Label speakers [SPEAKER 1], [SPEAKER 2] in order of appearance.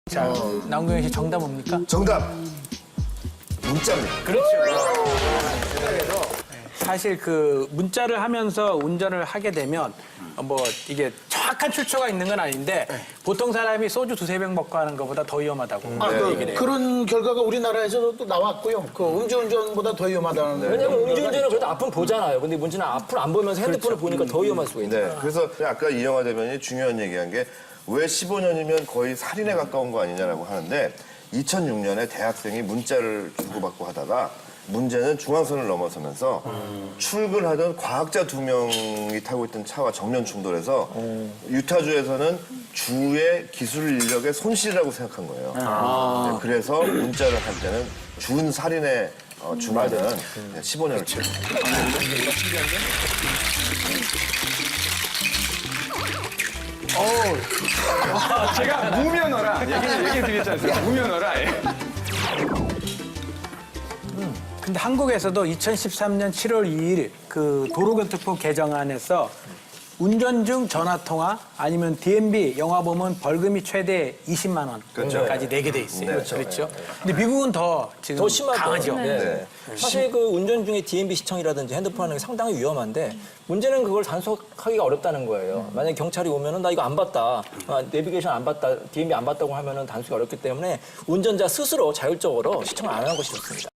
[SPEAKER 1] 자, 남궁현 씨 정답 뭡니까?
[SPEAKER 2] 정답. 문자입니다.
[SPEAKER 1] 그렇죠. 사실 그 문자를 하면서 운전을 하게 되면 뭐 이게 정확한 출처가 있는 건 아닌데 보통 사람이 소주 두세 병 먹고 하는 것보다 더 위험하다고 얘기를 해요.
[SPEAKER 3] 그런 결과가 우리나라에서도 또 나왔고요. 그 음주운전보다 더 위험하다는.
[SPEAKER 4] 왜냐면 음주운전은 그래도 앞은 보잖아요. 근데 문제는 앞을 안 보면서 핸드폰을 보니까 더 위험할 수가 있는 거예요.
[SPEAKER 2] 네. 그래서 아까 이영하 대변인이 중요한 얘기한 게 왜 15년이면 거의 살인에 가까운 거 아니냐라고 하는데 2006년에 대학생이 문자를 주고받고 하다가 문제는 중앙선을 넘어서면서 출근하던 과학자 2명이 타고 있던 차와 정면 충돌해서 유타주에서는 주의 기술 인력의 손실이라고 생각한 거예요. 네, 그래서 문자를 할 때는 준 살인에 준하는 15년을 채웁니다.
[SPEAKER 5] 제가 무면허라 얘기 드렸지 않습니까? 무면허라. 예.
[SPEAKER 1] 근데 한국에서도 2013년 7월 2일 그 도로교통법 개정안에서 운전 중 전화통화 아니면 DMB 영화보면 벌금이 최대 20만 원까지 내게 돼 있어요. 그렇죠. 근데 미국은 더 지금
[SPEAKER 4] 더 심하죠.
[SPEAKER 1] 강하죠.
[SPEAKER 4] 네. 사실 그 운전 중에 DMB 시청이라든지 핸드폰 하는 게 상당히 위험한데 문제는 그걸 단속하기가 어렵다는 거예요. 만약에 경찰이 오면은 나 이거 안 봤다, 내비게이션 안 봤다, DMB 안 봤다고 하면은 단속이 어렵기 때문에 운전자 스스로 자율적으로 시청을 안 하는 것이 좋습니다.